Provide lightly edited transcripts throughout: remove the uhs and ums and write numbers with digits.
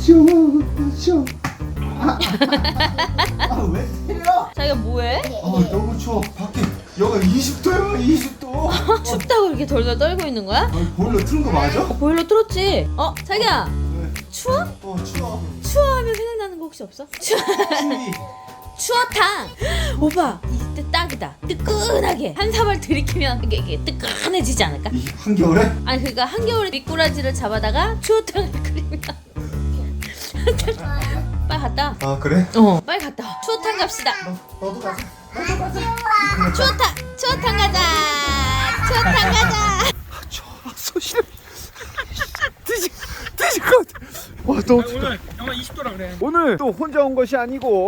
추워. 왜 때려? 자기가 뭐해? 너무 추워. 밖에 여가 20도야, 20도. 춥다고 이렇게 덜덜 떨고 있는 거야? 보일러 틀은 거 맞아? 보일러 틀었지? 자기야 추워? 추워. 추워하면 생각나는 거 혹시 없어? 추위. 추어탕! 오빠 이때 딱이다. 뜨끈하게 한 사발 들이키면 이게 뜨끈해지지 않을까? 이 한겨울에? 아니 그러니까 한겨울에 미꾸라지를 잡아다가 추어탕을 끓이면 빨리 갔다 와. 그래? 빨리 갔다 와. 추어탕 갑시다. 너도 가자. 추어탕 가자. 추어탕 가자. 소실. 드실 것 같아. 와, 너무 춥다. 오늘 영하 20도라 그래. 오늘 또 혼자 온 것이 아니고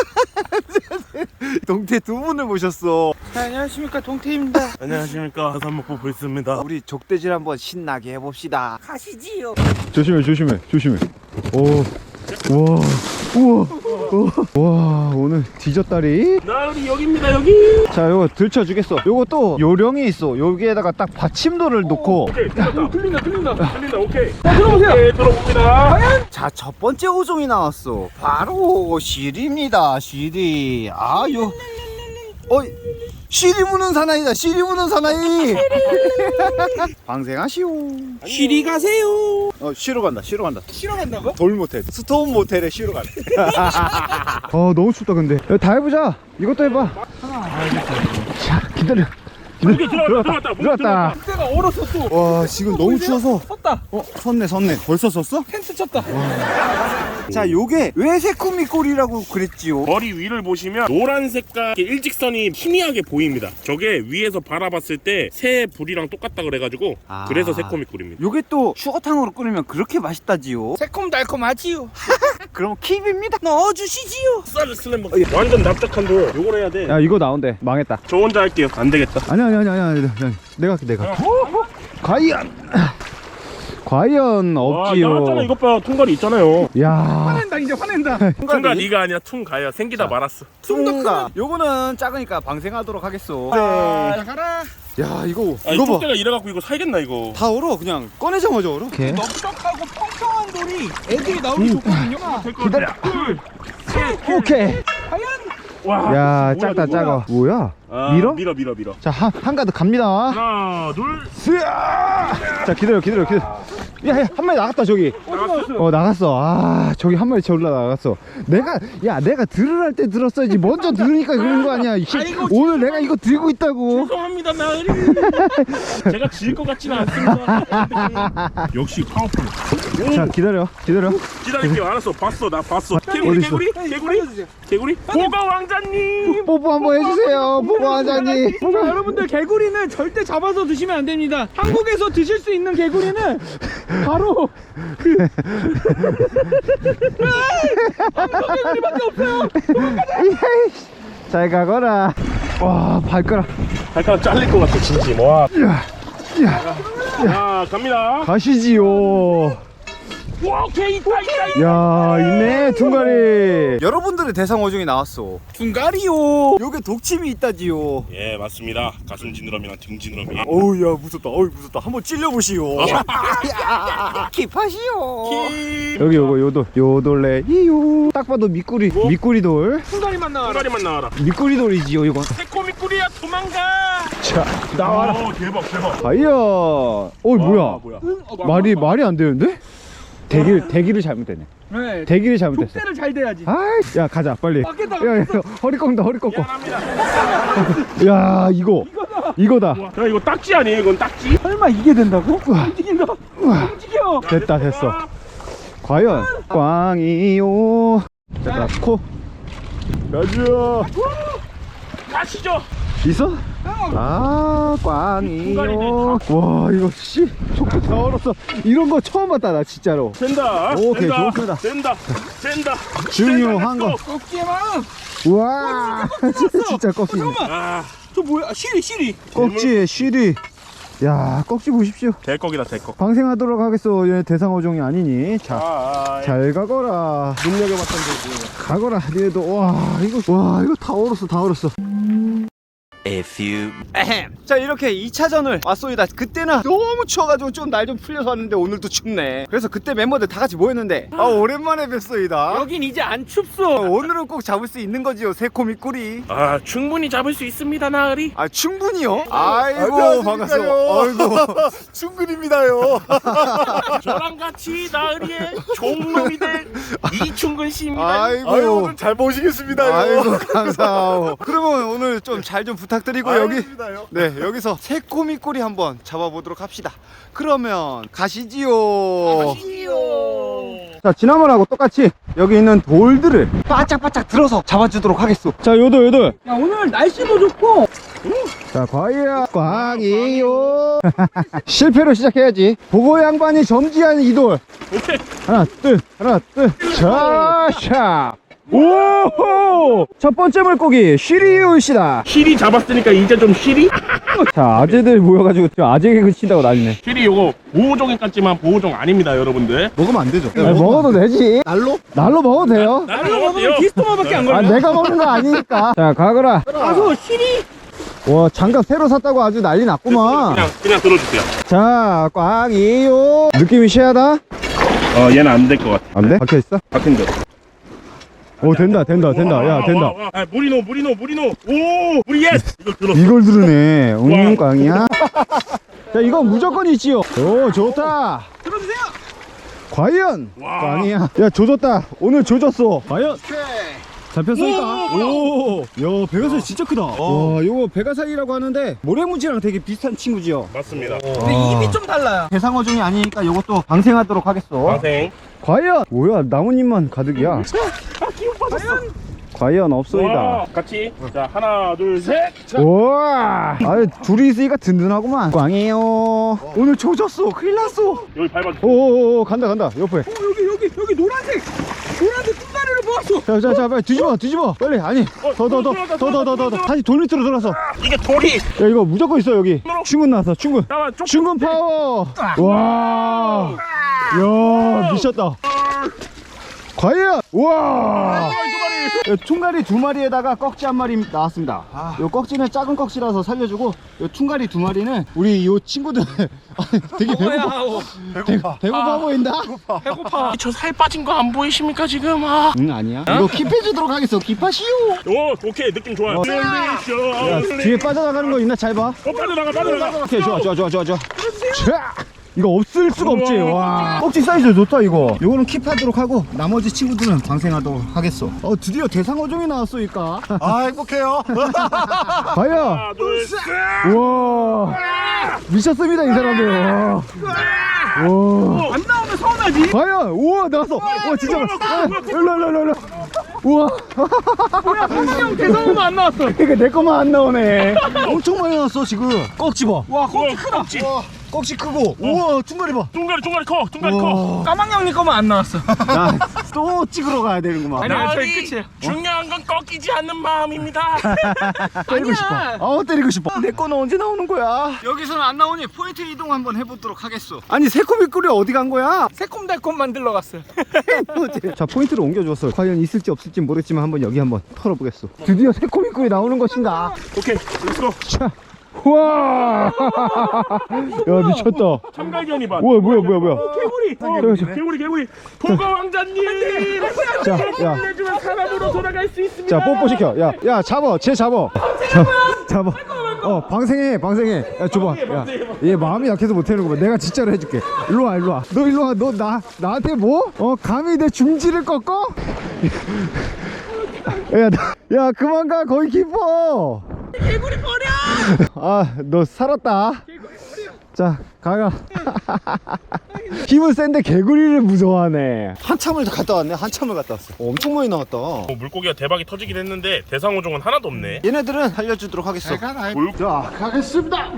동태 두 분을 모셨어. 안녕하십니까, 동태입니다. 안녕하십니까, 하산목포 불스입니다. 우리 족대질 한번 신나게 해봅시다. 가시지요. 조심해. 오, 와, 우와, 와, 오늘 뒤졌다리. 나으리 여기입니다, 여기. 자, 요거 들쳐주겠어. 요거 또 요령이 있어. 여기에다가 딱 받침돌을 놓고. 오케이, 틀린다, 오케이. 들어오세요. 오케이, 들어봅니다. 자, 첫 번째 어종이 나왔어. 바로 시리입니다. 시리. 시리 무는 사나이다. 시리 무는 사나이. 방생하시오. 쉬리 가세요. 쉬러 간다. 쉬러 간다고? 돌 모텔, 스톤 모텔에 쉬러 가네. 너무 춥다 근데. 야, 다 해보자. 이것도 해봐. 자, 기다려. 들어왔다. 그때가 얼어서 또. 와, 지금 너무 추워서. 섰다. 섰네. 벌써 섰어? 텐트 쳤다. 자, 요게 왜 새꾸미꼴이라고 그랬지요? 머리 위를 보시면 노란 색깔 일직선이 희미하게 보입니다. 저게 위에서 바라봤을 때 새 불이랑 똑같다 그래가지고 그래서 새꼬미꿀입니다. 요게 또 추어탕으로 끓이면 그렇게 맛있다지요. 새콤달콤하지요. 그럼 킵입니다. 넣어주시지요. 쌀 슬램버 완전 납작한 돌. 요걸 해야 돼. 야, 이거 나온대. 망했다. 저 혼자 할게요. 안 되겠다. 아니야. 내가 할게. 과연 와, 없지요. 나왔잖아. 이것 봐. 통갈이 있잖아요. 야, 화낸다, 이제 화낸다. 통갈 네가 아니라 퉁가야. 생기다 말았어. 퉁가. 요거는 작으니까 방생하도록 하겠어. 자, 가라. 야, 이거 이 뚝대가 이래갖고 이거 살겠나 이거. 다 얼어. 그냥 꺼내자마자 얼어. 넓적하고 평평한 돌이 애들이 나오기 좋거든요. 기다려. 오케이. 과연? 와. 야, 뭐야, 작다. 이거 뭐야? 뭐야? 밀어. 자, 한 가득 갑니다. 하나, 둘. 쓰야! 자, 기다려. 야, 한 마리 나갔다, 저기. 나갔어. 저기 한 마리 올라나갔어. 내가 들으랄 때 들었어야지. 먼저 들으니까 그런 거 아니야. 오늘 내가 이거 들고 있다고. 죄송합니다, 나으리. 제가 질 것 같지는 않습니다. 역시 파워풀. 자, 기다려. 기다릴게요. 알았어. 나 봤어. 개구리. 보거 왕자님. 뽀뽀 한번 해주세요. 뽀뽀 왕자님. 자, 여러분들 개구리는 절대 잡아서 드시면 안 됩니다. 한국에서 드실 수 있는 개구리는 바로 한국 개구리밖에 없어요. 잘 가거라. 와, 발가락 잘릴 것 같아, 진짜. 와. 야, 갑니다. 가시지요. 와, 오케이, 있다. 야, 있네, 둥가리. 여러분들의 대상 어종이 나왔어. 둥가리요. 요게 독침이 있다지요. 예, 맞습니다. 가슴 지느러미랑 등 지느러미. 어우, 야, 무섭다. 한번 찔려보시오. 킵하시오. 여기 요돌레 이요. 딱 봐도 미꾸리돌. 둥가리만 나와라. 통가리만 나와라. 미꾸리돌이지요, 이건. 새꼬미꿀이야, 도망가. 자, 나와라. 오, 대박. 과연. 뭐야? 말이 안 되는데? 대기를 잘못했네. 네. 대기를 잘못했어. 족대를 잘 돼야지. 아이, 야, 가자, 빨리. 맞겠다. 야, 허리 꺾는다. 미안합니다. 야, 이거다. 야, 이거 딱지 아니에요? 이건 딱지? 설마 이게 된다고? 움직인다. 움직여. 됐어. 과연 꽝이요. 자, 코. 가자. 가시죠. 있어? 꽝이요. 와, 이거 속도 다 얼었어. 이런 거 처음 봤다, 나 진짜로. 된다. 오케이, 좋습니다. 된다. 중요한 거. 꺾기만. 우와, 진짜 꺾기. 잠깐만. 저 뭐야? 시리. 꺽지에 쉬리. 야, 꺽지 보십시오. 대꺽이다, 대꺽. 방생하도록 하겠어. 얘 대상 어종이 아니니. 자, 잘 가거라. 눈여겨봤던 데지. 가거라. 얘도 와, 이거 다 얼었어. A few 자, 이렇게 2차전을 왔소이다. 그때는 너무 추워가지고 좀 날 좀 풀려서 왔는데 오늘도 춥네. 그래서 그때 멤버들 다 같이 모였는데 오랜만에 뵀소이다. 여긴 이제 안 춥소. 오늘은 꼭 잡을 수 있는 거지요, 새코미꾸리. 아 충분히 잡을 수 있습니다 나으리. 아, 충분히요? 아이고, 반갑소. 아이고, 충분입니다요. 저랑 같이 나으리의 종놈이 될 이충근 씨입니다. 아이고, 오늘 잘 보시겠습니다요. 아이고, 감사하오. 그러면 오늘 좀 잘 좀 부탁드리고 알겠습니다요. 네, 여기서 새코미꾸리 한번 잡아보도록 합시다. 그러면 가시지요. 자, 지난번하고 똑같이 여기 있는 돌들을 바짝바짝 들어서 잡아주도록 하겠소. 자, 요돌. 야, 오늘 날씨도 좋고. 자, 광이요. 실패로 시작해야지. 보고 양반이 점지한 이 돌. 오케이. 하나, 둘. 샤샤. 오호! 첫 번째 물고기 쉬리우시다. 실이 잡았으니까 이제 좀 실이? 자, 아재들 모여가지고 지금 아재 개그 친다고 난리네. 실이 요거 보호종인 같지만 보호종 아닙니다 여러분들. 먹으면 안 되죠? 아니, 먹어도 되지. 날로 먹어도 돼요. 날로 먹으면 디스토마밖에 안 걸려. 아, 내가 먹는 거 아니니까. 자, 가거라. 가서 실이. 와, 장갑 새로 샀다고 아주 난리 났구만. 그냥 들어주세요. 자, 꽝이요. 느낌이 시하다? 얘는 안 될 것 같아. 안 돼? 박혀있어? 박힌데. 오, 된다. 야, 된다. 아, 무리노. 오, 우리 예스. 이걸 들었어. 이걸 들으네. 꽝이야. 자, 이건 무조건 있지요. 오, 좋다. 들어주세요. 과연 와. 꽝이야. 야, 조졌다. 오늘 조졌어. 과연 잡혔으니까. 오, 야, 베가사이 진짜 크다. 와, 요거 베가사이라고 하는데 모래무지랑 되게 비슷한 친구지요. 맞습니다. 근데 입이 좀 달라요. 대상어종이 아니니까 요것도 방생하도록 하겠어. 방생. 과연 뭐야, 나뭇잎만 가득이야. 과연 없소이다. 와, 같이. 자, 하나, 둘, 셋. 우와, 아유, 둘이 있으니까 든든하구만. 꽝이에요. 오늘 조졌어. 큰일 났어. 여기 밟아줘. 오오오, 간다 옆에. 여기 노란색 뚱가리를 모았어. 자, 빨리 뒤집어 빨리. 아니, 더 다시 돌 밑으로 들어서. 이게 돌이. 야, 이거 무조건 있어. 여기 충군 나왔어. 충군 잠깐만, 좀. 충군 파워. 와, 야, 미쳤다. 과연. 우와, 퉁가리 2마리에다가 꺽지 1마리 나왔습니다. 요 꺽지는 작은 꺽지라서 살려주고, 요 퉁가리 2마리는 우리 요 친구들 되게 배고파 보인다. 배고파. 저 살 빠진 거 안 보이십니까 지금? 아. 응, 아니야. 이거 킵해주도록 하겠어. 킵하시오. 오, 오케이 느낌 좋아요. 야, 뒤에 빠져나가는 거 있나? 잘 봐. 빠져나가. 오케이, 좋아. 자, 이거 없을 수가 없지. 와, 꺽지 사이즈 좋다 이거. 요거는 킵하도록 하고 나머지 친구들은 방생하도록 하겠어. 드디어 대상어종이 나왔으니까. 아, 행복해요. 과연. 하나, 둘, 셋. 우와, 미쳤습니다 이 사람들. 와, 안 나오면 서운하지. 과연. 우와, 나왔어. 와, 진짜 일로. 우와, 뭐야, 한명 대성어도 안 나왔어. 이게 내 거만 안 나오네. 엄청 많이 나왔어 지금. 꺽지 봐. 와, 꺽지 크다. 꺽지 크고. 우와, 퉁가리 봐. 둥가리 커. 까망형님 거만 안 나왔어. 또 찍으러 가야 되는구만. 아니야, 저희 끝이에요. 중요한 건 꺾이지 않는 마음입니다. 때리고 싶어. 아니야. 때리고 싶어. 내 거는 언제 나오는 거야? 여기서는 안 나오니 포인트 이동 한번 해보도록 하겠어. 아니, 새코미꾸리 어디 간 거야? 새콤달콤 만들러 갔어요. 자, 포인트를 옮겨줬어. 과연 있을지 없을지 모르겠지만 한번 여기 한번 털어보겠어. 드디어 새코미꾸리 나오는 것인가? 오케이, 렛츠고. 자, 우와. 야, 미쳤다. 참갈견이 봐. 우와, 뭐야. 개구리. 도가 왕자님. 자, 야. 내주면 사람으로 돌아갈 수 있습니다. 자, 뽀뽀 시켜. 야, 잡아. 쟤 잡아. 잡아. 방생해. 야, 줘봐. 야, 얘 마음이 약해서 못하는 거 봐. 내가 진짜로 해줄게. 일로 와. 너 일로 와. 너 나한테 뭐? 감히 내 중지를 꺾어? 야, 그만 가. 거기 깊어. 개구리 버려. 너 살았다. 자, 가가. 힘은 센데 개구리를 무서워하네. 한참을 갔다 왔네. 엄청 많이 나왔다. 물고기가 대박이 터지긴 했는데 대상어종은 하나도 없네. 얘네들은 살려주도록 하겠어. 자, 가겠습니다.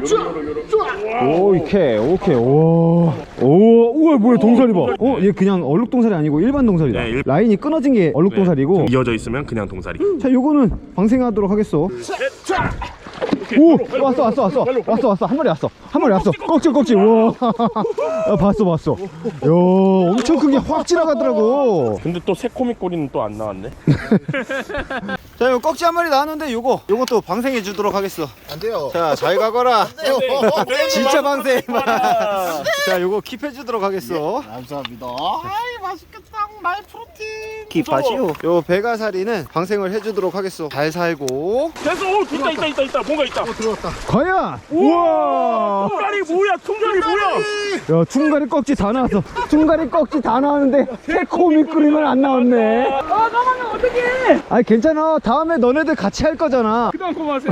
오케이. 오, 우와, 뭐야, 동사리 봐. 얘 그냥 얼룩동사리 아니고 일반 동사리다. 네, 라인이 끊어진 게 얼룩동사리고. 이어져 있으면 그냥 동사리. 자, 요거는 방생하도록 하겠어. 오 왔어 한 마리 왔어 꺽지 우와 봤어 야 엄청 큰 게 확 지나가더라고. 근데 또 새코미꼬리는 또 안 나왔네. 자 이거 꺽지 한 마리 나왔는데 요것도 방생해 주도록 하겠어. 안 돼요. 자 잘 가거라. 진짜 방생. 아, 자 요거 킵해 주도록 하겠어. 감사합니다. 아이 맛있겠다. 마이 프로틴. 킵하시오. 요 베가사리는 방생을 해주도록 하겠어. 잘 살고. 됐어. 오, 있다. 뭔가 있다. 들어왔다. 과연 우와 통갈이 뭐야? 야 퉁가리 꺽지 다 나왔어. 퉁가리 꺽지 다 나왔는데 새코미꾸리만 안 나왔네. 아 까망형 어떡해. 아니 괜찮아. 다음에 너네들 같이 할 거잖아. 그동안 고마웠어요.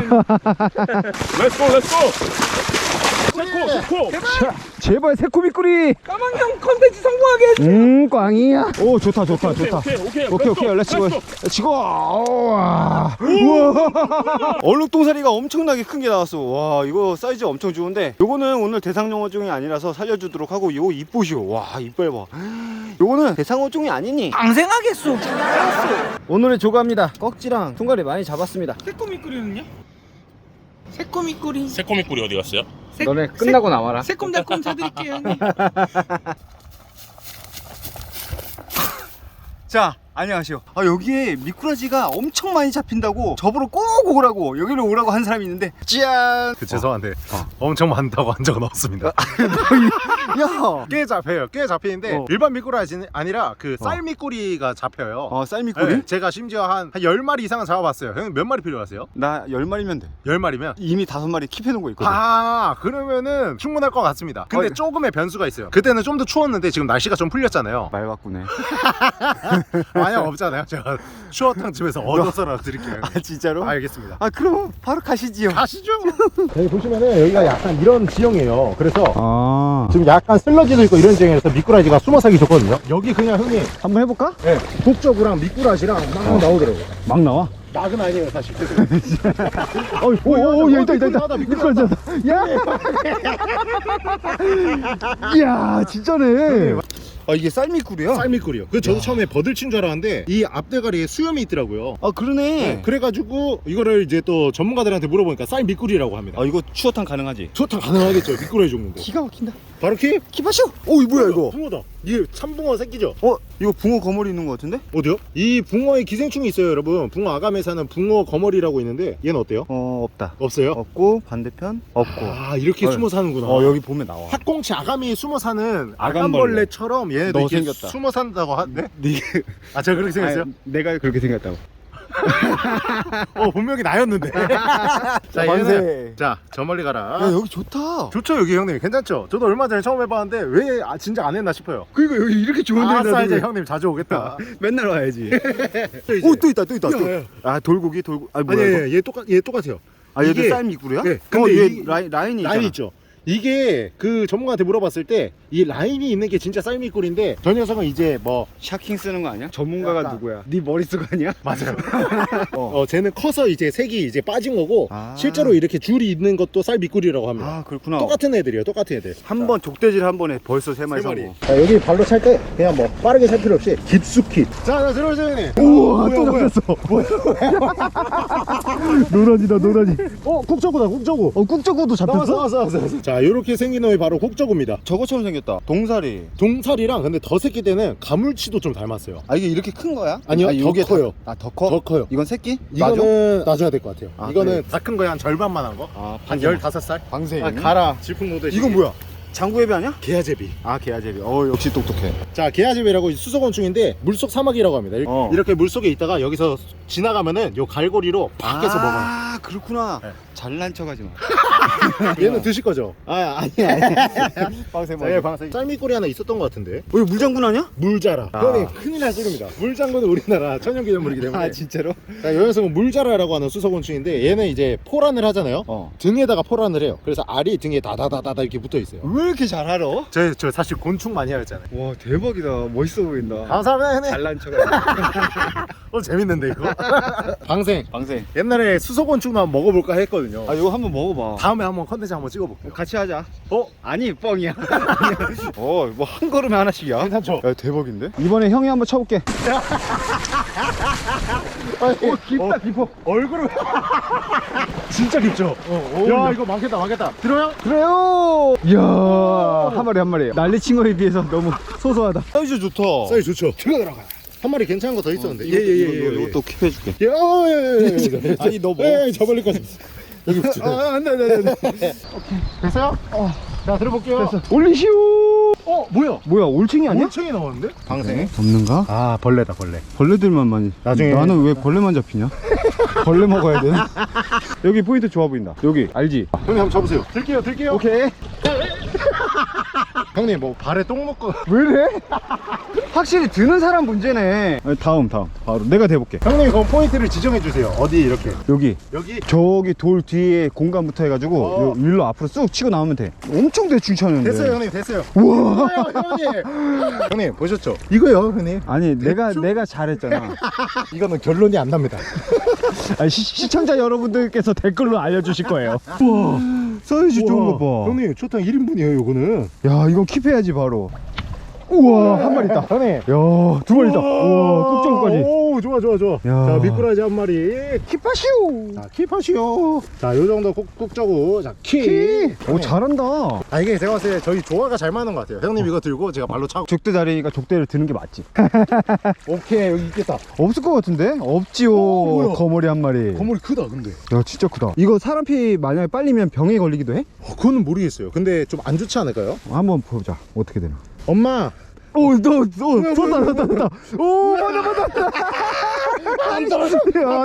렛츠고. 새코. 자, 제발 새코미꾸리. 까망형 컨텐츠 성공하게 해주세요. 꽝이야. 오 좋다. 오케이 렛츠고. 우와 얼룩동사리가 엄청나게 큰 게 나왔어. 와 이거 사이즈 엄청 좋은데 요거는 오늘 대상어종이 아니라서 살려주도록 하고 요거 이쁘시오. 와 이빨 봐. 요거는 대상어종이 아니니 방생하겠소. 오늘의 조가입니다. 꺽지랑 퉁가리 많이 잡았습니다. 새꼬미꾸리는요? 새꼬미꾸리. 새코미꼬리 어디 갔어요? 너네 끝나고 나와라. 새콤달콤 사드릴게요 형님. 자 안녕하세요. 여기에 미꾸라지가 엄청 많이 잡힌다고 저보러 꼭 오라고 여기로 오라고 한 사람이 있는데 짠. 죄송한데 엄청 많다고 한 적은 없습니다. 야. 꽤 잡혀요. 꽤 잡히는데 일반 미꾸라지는 아니라 그 쌀미꾸리가 잡혀요. 쌀미꾸리? 네, 제가 심지어 한 10마리 이상은 잡아봤어요. 형님 몇 마리 필요하세요? 나 10마리면 돼. 10마리면? 이미 5마리 킵해놓은 거 있거든. 그러면은 충분할 것 같습니다. 근데 조금의 변수가 있어요. 그때는 좀 더 추웠는데 지금 날씨가 좀 풀렸잖아요. 말 바꾸네. 아니요 없잖아요. 제가 추어탕 집에서 얻어서라도 드릴게요. 진짜로? 알겠습니다. 그럼 바로 가시지요. 가시죠. 여기 보시면은 여기가 약간 이런 지형이에요. 그래서 지금 지금 약간 슬러지도 있고 이런 지형이라서 미꾸라지가 숨어 살기 좋거든요. 여기 그냥 형님 한번 해볼까? 네, 북저구랑 미꾸라지랑 막 나오더라고요. 막 나와. 낙은 아니에요 사실. 오, 야, 있다. 미꾸라지. 야, 진짜네. 이게 쌀미꾸리야? 쌀미꾸리요. 그 저도 처음에 버들친 줄 알았는데 이 앞대가리에 수염이 있더라고요. 그러네. 그래가지고 이거를 이제 또 전문가들한테 물어보니까 쌀미꾸리라고 합니다. 이거 추어탕 가능하지? 추어탕 가능하겠죠. 미꾸라지 종류인데. 기가 막힌다. 바로 킵? 킵하시오. 오, 이 뭐야 이거? 붕어다. 이게 참붕어 새끼죠? 이거 붕어 거머리 있는 거 같은데? 어디요? 이 붕어의 기생충이 있어요, 여러분. 붕어 아감에 사는 붕어 거머리라고 있는데 얘는 어때요? 없다. 없어요? 없고 반대편 없고. 이렇게 숨어 사는구나. 여기 보면 나와. 학꽁치 아감이 숨어 사는 아감벌레. 아감벌레처럼 얘네도 너 이렇게 생겼다. 숨어 산다고 하는데? 네. 제가 그렇게 생겼어요? 내가 그렇게 생겼다고. 분명히 나였는데. 자, 만세. 얘는 자, 저 멀리 가라. 여기 좋다. 좋죠, 여기 형님. 괜찮죠? 저도 얼마 전에 처음 해봤는데 왜 진짜 안 했나 싶어요. 그러니까 여기 이렇게 좋은 아싸, 이제 형님 자주 오겠다. 맨날 와야지. 이제. 또 있다. 야, 돌고기. 아니, 얘 똑같아요. 얘도 이게- 쌀미꾸리야? 네, 근데 근데 얘 이- 라인이 있잖아. 라인 있죠. 이게 그 전문가한테 물어봤을 때 이 라인이 있는 게 진짜 쌀미꿀인데 저 녀석은 이제 뭐 샤킹 쓰는 거 아니야? 전문가가 약간. 누구야? 네 머릿속 아니야? 맞아요. 쟤는 커서 이제 색이 이제 빠진 거고 실제로 이렇게 줄이 있는 것도 쌀미꿀이라고 합니다. 그렇구나. 똑같은 애들이에요. 똑같은 애들. 한 번 족대질 한 번에 벌써 3마리 세 마리. 사고. 자, 여기 발로 찰 때 그냥 뭐 빠르게 찰 필요 없이 깊숙이. 자, 들어오세요, 형님. 우와, 뭐야, 또 뭐야. 잡혔어. 노라지다. 국저구다, 국저구. 꾹저구도 나왔어. 자, 요렇게 생긴 놈이 바로 국저구입니다. 저거처럼 생겼다. 동사리. 동살이랑 근데 더 새끼 때는 가물치도 좀 닮았어요. 이게 이렇게 큰 거야? 아니요, 이게 더 커요. 더 커? 더 커요. 이건 새끼? 이거는 놔줘야 될 것 같아요. 이거는 그래. 다 큰 거에 한 절반만 한 거. 한 15살? 방생. 가라. 질풍 노듯이. 이건 뭐야? 장구애비 아니야? 게아제비. 게아제비. 역시 똑똑해. 자, 게아제비라고 수소곤충인데 물속 사마귀라고 합니다. 이렇게 물속에 있다가 여기서 지나가면은 요 갈고리로 팍 해서 먹어요. 그렇구나. 네. 잘난 척하지 마. 얘는 드실 거죠? 아니야. 방생 자, 얘 방생. 쌀미꼬리 하나 있었던 것 같은데. 이거 물장군 아니야? 물자라. 형님 큰일 날 소리입니다. 물장군은 우리나라 천연기념물이기 때문에. 진짜로? 자, 이 녀석은 물자라라고 하는 수소곤충인데 얘는 이제 포란을 하잖아요. 등에다가 포란을 해요. 그래서 알이 등에 다다다다다 이렇게 붙어 있어요. 왜 이렇게 잘 알아? 저 사실 곤충 많이 하였잖아요. 와 대박이다. 멋있어 보인다. 감사합니다 형님. 잘난 척하네. 재밌는데 이거. 방생. 방생. 옛날에 수소곤충만 먹어볼까 했거든요. 아 이거 한번 먹어봐. 다음에 한번 컨텐츠 한번 찍어볼게요. 같이 하자. 아니 뻥이야. 뭐 한 걸음에 하나씩이야. 괜찮죠? 야 대박인데? 이번에 형이 한번 쳐볼게. 깊다 깊어. 얼굴을 진짜 깊죠? 야 이거 많겠다. 들어요? 그래요. 이야 한 마리 난리친 거에 비해서 너무 소소하다. 사이즈 좋다. 사이즈 좋죠? 들어 들어가. 한 마리 괜찮은 거 더 있었는데. 이것도 킵해줄게. 예. 아니 너 뭐? 저 멀리 거지. 여기 붙지. 안돼. 됐어요? 자 들어볼게요. 됐어. 올리시오. 뭐야 올챙이 아니야? 올챙이 나왔는데? 방생. 없는가? 아 벌레다 벌레. 벌레들만 많이. 나중에- 나는 왜 벌레만 잡히냐? 벌레 먹어야 돼. 여기 포인트 좋아 보인다. 여기 알지? 형님 한번 잡으세요. 들게요. 오케이. 형님 뭐 발에 똥 먹고. 왜 이래? 확실히 드는 사람 문제네. 다음 바로 내가 대볼게. 형님 그럼 포인트를 지정해 주세요. 어디 이렇게. 여기 여기 돌 뒤에 공간부터 해가지고 요 일로 앞으로 쑥 치고 나오면 돼. 엄청 대충 차는데. 됐어요 형님 됐어요. 우와. 형님 보셨죠? 이거요 형님. 아니 내가 잘했잖아. 이거는 결론이 안 납니다. 아니, 시청자 여러분들께서 댓글로 알려주실 거예요. 우와 사이즈 좋은 거 봐. 형님 초탕 1인분이에요 이거는. 야 이건 킵해야지 바로. 우와 한 마리 있다. 형님. 야 두 마리 있다. 우와 꼭정까지. 오 좋아. 야. 자 미꾸라지 한 마리. 킵하시오. 자 킵하시오. 자 요정도 꾹꾹 자 킵. 오 잘한다. 아 이게 제가 봤을 때 저희 조화가 잘 맞는 것 같아요. 형님 이거 들고 제가 발로 차고. 족대 다리니까 족대를 드는 게 맞지. 오케이 여기 있겠다. 없을 것 같은데? 없지요. 뭐야? 거머리 한 마리. 건물이 크다 근데. 야 진짜 크다. 이거 사람 피 만약에 빨리면 병에 걸리기도 해? 그거는 모르겠어요. 근데 좀 안 좋지 않을까요? 한번 보자. 어떻게 되나. 엄마. 쏟다. 오 맞아. 안 떨어져.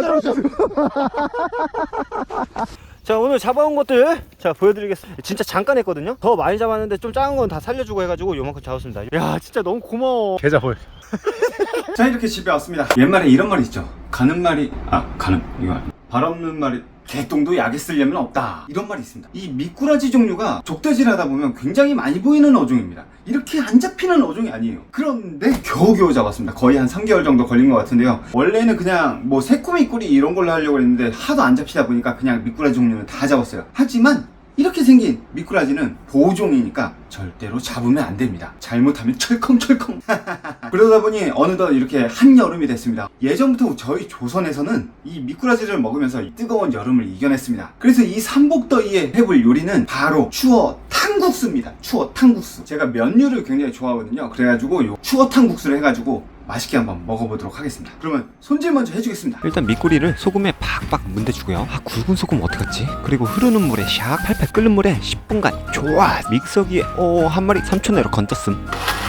자 오늘 잡아온 것들 자 보여드리겠습니다. 진짜 잠깐 했거든요. 더 많이 잡았는데 좀 작은 건 다 살려주고 해가지고 요만큼 잡았습니다. 야 진짜 너무 고마워. 계좌 보여. 자 이렇게 집에 왔습니다. 옛말에 이런 말이 있죠. 가는 말이 이거 발 없는 말이 개똥도 약에 쓰려면 없다 이런 말이 있습니다. 이 미꾸라지 종류가 족대질 하다 보면 굉장히 많이 보이는 어종입니다. 이렇게 안 잡히는 어종이 아니에요. 그런데 겨우겨우 잡았습니다. 거의 한 3개월 정도 걸린 것 같은데요. 원래는 그냥 뭐 새꼬미꾸리 이런 걸로 하려고 했는데 하도 안 잡히다 보니까 그냥 미꾸라지 종류는 다 잡았어요. 하지만 이렇게 생긴 미꾸라지는 보호종이니까 절대로 잡으면 안 됩니다. 잘못하면 철컹철컹. 그러다 보니 어느덧 이렇게 한여름이 됐습니다. 예전부터 저희 조선에서는 이 미꾸라지를 먹으면서 이 뜨거운 여름을 이겨냈습니다. 그래서 이 삼복더위에 해볼 요리는 바로 추어 탕국수입니다. 추어 탕국수. 제가 면류를 굉장히 좋아하거든요. 그래가지고 요 추어 탕국수를 해가지고 맛있게 한번 먹어보도록 하겠습니다. 그러면 손질 먼저 해주겠습니다. 일단 미꾸리를 소금에 팍팍 문대주고요. 굵은 소금 어디 갔지? 그리고 흐르는 물에 샥 팔팔 끓는 물에 10분간 좋아 믹서기에 한 마리 3초 내로 건졌음.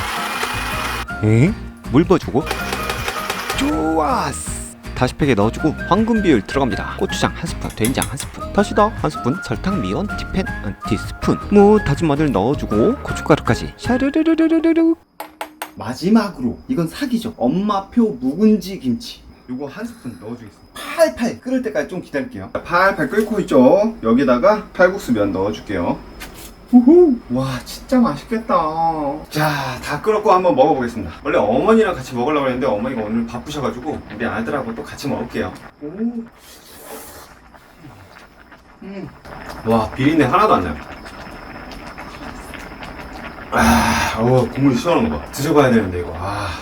물 부어주고 좋았어. 다시 팩에 넣어주고 황금 비율 들어갑니다. 고추장 1스푼, 된장 1스푼, 다시다 1스푼, 설탕, 미원, 티펜, 티스푼, 다진 마늘 넣어주고 고춧가루까지 샤르르르르르르. 마지막으로 이건 사기죠. 엄마표 묵은지 김치 요거 1스푼 넣어주겠습니다. 팔팔 끓을 때까지 좀 기다릴게요. 팔팔 끓고 있죠. 여기다가 칼국수 면 넣어줄게요. 우후. 와 진짜 맛있겠다. 자 다 끓었고 한번 먹어보겠습니다. 원래 어머니랑 같이 먹으려고 했는데 어머니가 오늘 바쁘셔가지고 우리 아들하고 또 같이 먹을게요. 와 비린내 하나도 안 나요. 국물이 시원한 거 봐. 드셔봐야 되는데 이거.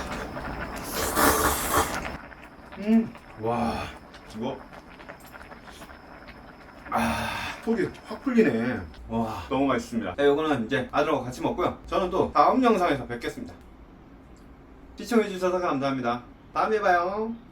와 이거 속이 확 풀리네. 와 너무 맛있습니다. 자, 이거는 이제 아들하고 같이 먹고요. 저는 또 다음 영상에서 뵙겠습니다. 시청해주셔서 감사합니다. 다음에 봐요.